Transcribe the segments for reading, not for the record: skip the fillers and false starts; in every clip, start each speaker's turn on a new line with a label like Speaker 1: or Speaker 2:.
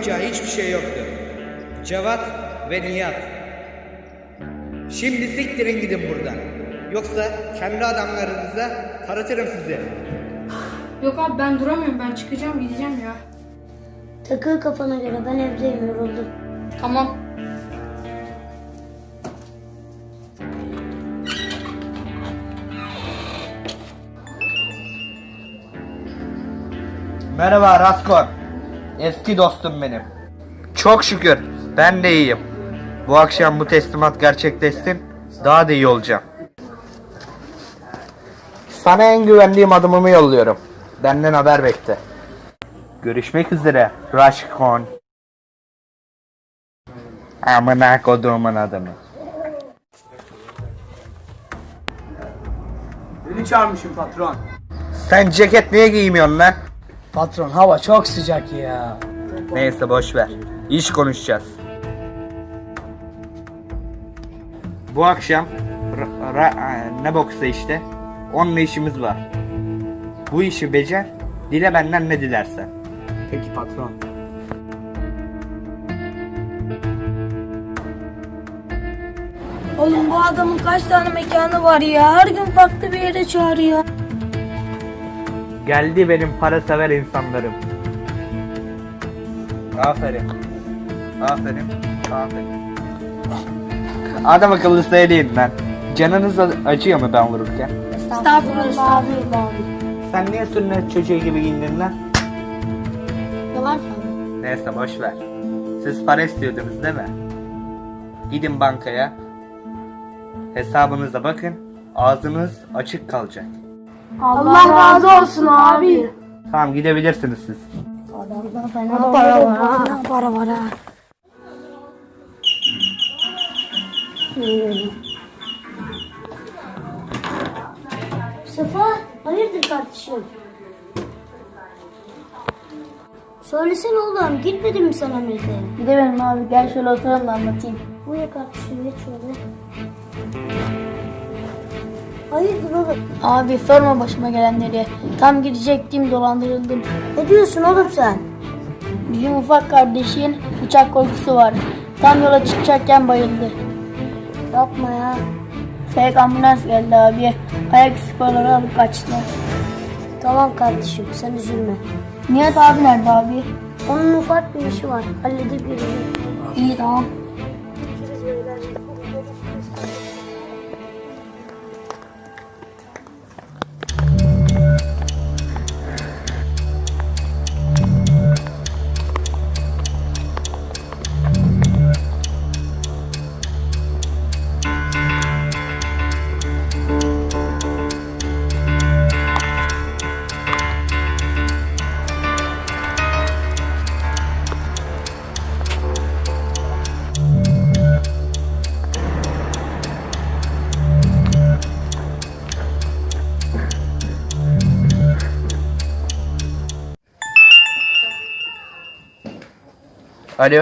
Speaker 1: yapacağı hiçbir şey yoktu. Cevat ve Nihat. Şimdi siktirin gidin buradan. Yoksa kendi adamlarınıza taratırım sizi.
Speaker 2: Yok abi ben duramıyorum, ben çıkacağım gideceğim ya.
Speaker 3: Takıl kafana göre, ben evdeyim, yoruldum.
Speaker 2: Tamam.
Speaker 1: Merhaba Raskon. Eski dostum benim. Çok şükür ben de iyiyim. Bu akşam bu teslimat gerçekleşsin, daha da iyi olacağım. Sana en güvendiğim adımımı yolluyorum. Benden haber bekle. Görüşmek üzere Raskon. Amına koduğumun adamı.
Speaker 4: Beni çağırmışsın patron.
Speaker 1: Sen ceket niye giymiyorsun lan?
Speaker 4: Patron hava çok sıcak ya.
Speaker 1: Neyse boş ver. İş konuşacağız. Bu akşam ne boksa işte. Onunla işimiz var. Bu işi becer. Dile benden ne dilersen.
Speaker 4: Peki patron.
Speaker 3: Oğlum bu adamın kaç tane mekanı var ya? Her gün farklı bir yere çağırıyor.
Speaker 1: Geldi benim para sever insanlarım. Aferin. Aferin. Aferin. Adam akıllı söyleyin lan. Canınız acıyor mu ben vururken?
Speaker 3: Estağfurullah abi.
Speaker 1: Sen niye sünnet çocuğu gibi giyindin lan?
Speaker 3: Yalan söylüyor.
Speaker 1: Neyse boş ver. Siz para istiyordunuz değil mi? Gidin bankaya. Hesabınıza bakın. Ağzınız açık kalacak.
Speaker 3: Allah razı olsun abi.
Speaker 1: Tamam gidebilirsiniz siz.
Speaker 3: Adamda fena para var ha. Fena para var ha. Sefa, hayırdır kardeşim? Söylesene oğlum, gitmedin mi sen Amerika'ya?
Speaker 5: Gidemedim abi, gel şöyle oturalım da anlatayım.
Speaker 3: Buyur kardeşim, geç şöyle. Hayırdır oğlum?
Speaker 5: Abi sorma başıma gelenleri. Tam gidecektim, dolandırıldım.
Speaker 3: Ne diyorsun oğlum sen?
Speaker 5: Bizim ufak kardeşin uçak korkusu var. Tam yola çıkacakken bayıldı.
Speaker 3: Yapma ya.
Speaker 5: Fake ambulans geldi abi. Ayak sporları alıp kaçtı.
Speaker 3: Tamam kardeşim, sen üzülme.
Speaker 5: Nihat abi nerede abi?
Speaker 3: Onun ufak bir işi var, halledip gelecek.
Speaker 5: İyi tamam.
Speaker 1: Alo.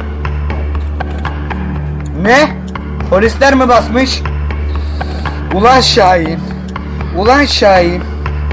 Speaker 1: Ne? Polisler mi basmış? Ulan Şahin. Ulan Şahin.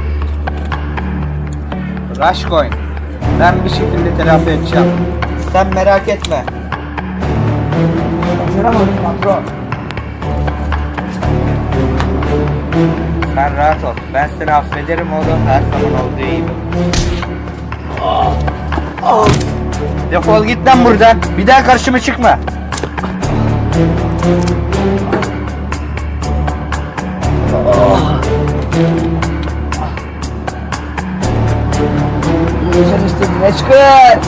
Speaker 1: Raşkoyn. Ben bir şekilde telafi edeceğim. Sen merak etme.
Speaker 4: Başaramadım patron.
Speaker 1: Sen rahat ol. Ben seni affederim oğlum. Her zaman olduğu gibi. Defol git lan buradan. Bir daha karşıma çıkma.
Speaker 4: Sen istediğine çıkar.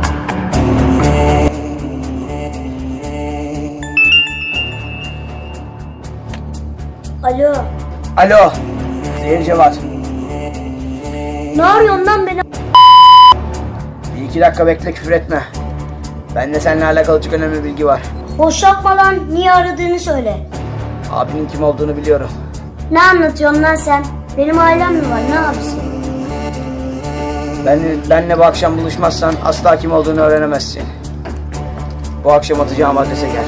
Speaker 3: Alo,
Speaker 4: Alo. Zehir Cevat.
Speaker 3: ne arıyorsun lan beni?
Speaker 4: Bir iki dakika bekle, küfür etme. Bende seninle alakalı çok önemli bilgi var.
Speaker 3: Boş yapma lan, niye aradığını söyle.
Speaker 4: Abinin kim olduğunu biliyorum.
Speaker 3: Ne anlatıyorsun lan sen? Benim ailem mi var, ne yapsın?
Speaker 4: Benle bu akşam buluşmazsan asla kim olduğunu öğrenemezsin. Bu akşam atacağım adrese gel.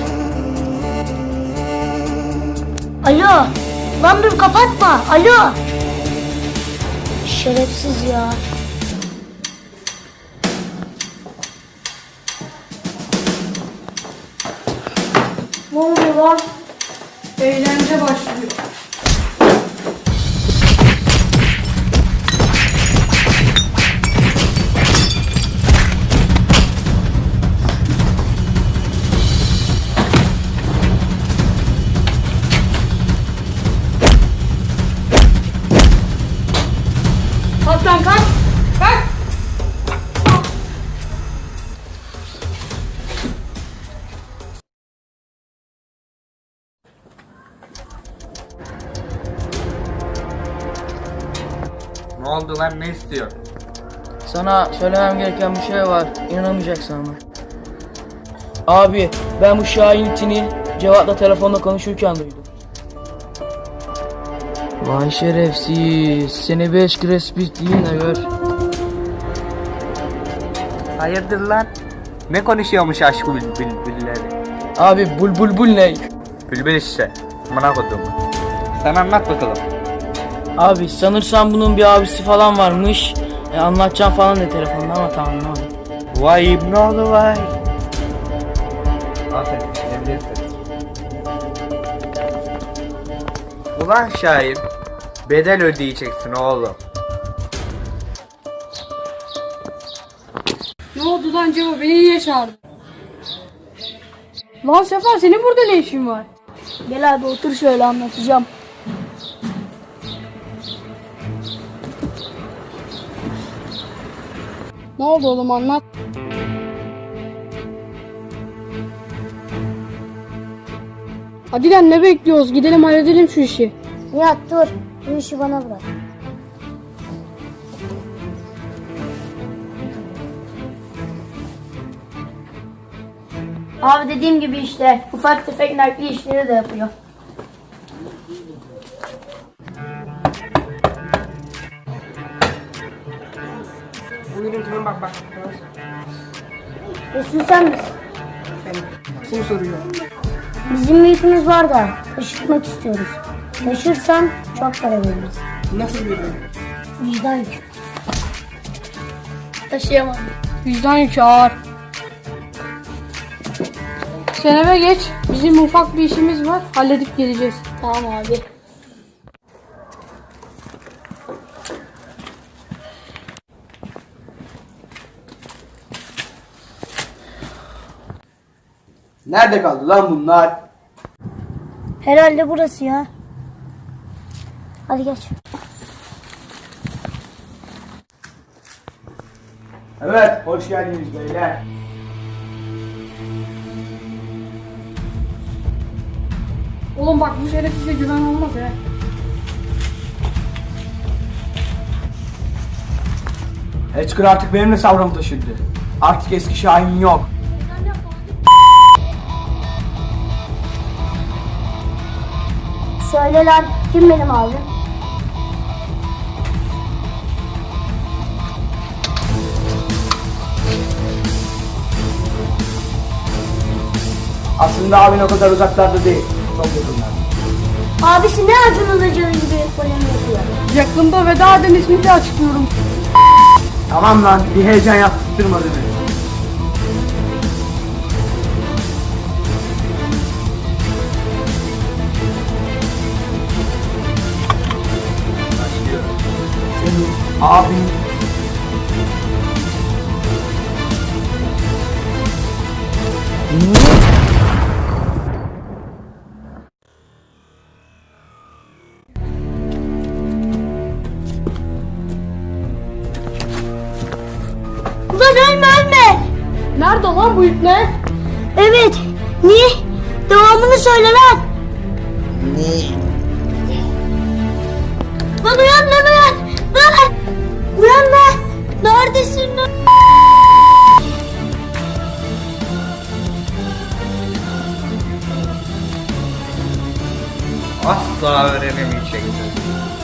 Speaker 3: Alo, lan dur kapatma, alo. Şerefsiz ya.
Speaker 2: Ne oluyor lan? Eğlence başlıyor. Kalk lan kalk. Kalk.
Speaker 1: Ne oldu lan, ne istiyor?
Speaker 6: Sana söylemem gereken bir şey var. İnanamayacaksın ama. Abi ben bu Şahin itini Cevat'la telefonda konuşurken duydum. Vay şerefsiz. Seni 5 krespit diyeyim de gör.
Speaker 1: Hayırdır lan? Ne konuşuyormuş aşk bülbülleri?
Speaker 6: Abi bul ne?
Speaker 1: Bülbül işte. Amına kodum. Sen anlat bakalım.
Speaker 6: Abi sanırsam bunun bir abisi falan varmış. Anlatacağım falan de telefonda ama tamam anlamadım.
Speaker 1: Vay ne oldu vay? Aferin, evlisin. Ulan Şahin, bedel ödeyeceksin oğlum.
Speaker 2: Ne oldu lan Cevo? Beni niye çağırdın? Lan Sefa senin burada ne işin var?
Speaker 5: Gel abi otur şöyle anlatacağım.
Speaker 2: Ne oldu oğlum anlat. Hadi lan ne bekliyoruz? Gidelim halledelim şu işi.
Speaker 5: Nihat dur. Bu işi bana bırak. Abi dediğim gibi işte ufak tefek nakli işleri de yapıyor.
Speaker 6: Buyurun kimin bak.
Speaker 5: Resul sen misin?
Speaker 6: Kim soruyor?
Speaker 5: Bizim bir ipimiz var da taşıtmak istiyoruz. Taşırsan çok para veririz.
Speaker 6: Nasıl bir
Speaker 5: Vicdan yükü. Taşıyamam.
Speaker 2: Vicdan yükü ağır. Sen eve geç. Bizim ufak bir işimiz var. Halledip geleceğiz.
Speaker 5: Tamam abi.
Speaker 4: Nerede kaldı lan bunlar?
Speaker 5: Herhalde burası ya. Hadi geç.
Speaker 4: Evet, hoş geldiniz beyler.
Speaker 2: Oğlum bak bu şerefsize güven olmaz he.
Speaker 4: Hector artık benimle savrama taşındı. Artık eski Şahin yok.
Speaker 5: Söyle lan kim benim abim?
Speaker 4: Aslında abin o kadar uzaklarda değil. Çok yakınlarda.
Speaker 5: Abisi ne Acun Ilıcalı gibi polem yapıyor.
Speaker 2: Yakında veda eden ismini de açıklıyorum.
Speaker 4: Tamam lan, bir heyecan yaptırtmadın beni. Senin abin
Speaker 5: Ulan ölme.
Speaker 2: Nerede lan bu ip ne?
Speaker 5: Evet. Niye? Devamını söyle lan. Lan uyan. Lan. Uyan lan. Neredesin lan?
Speaker 1: Asla öğrenemeyeceksin.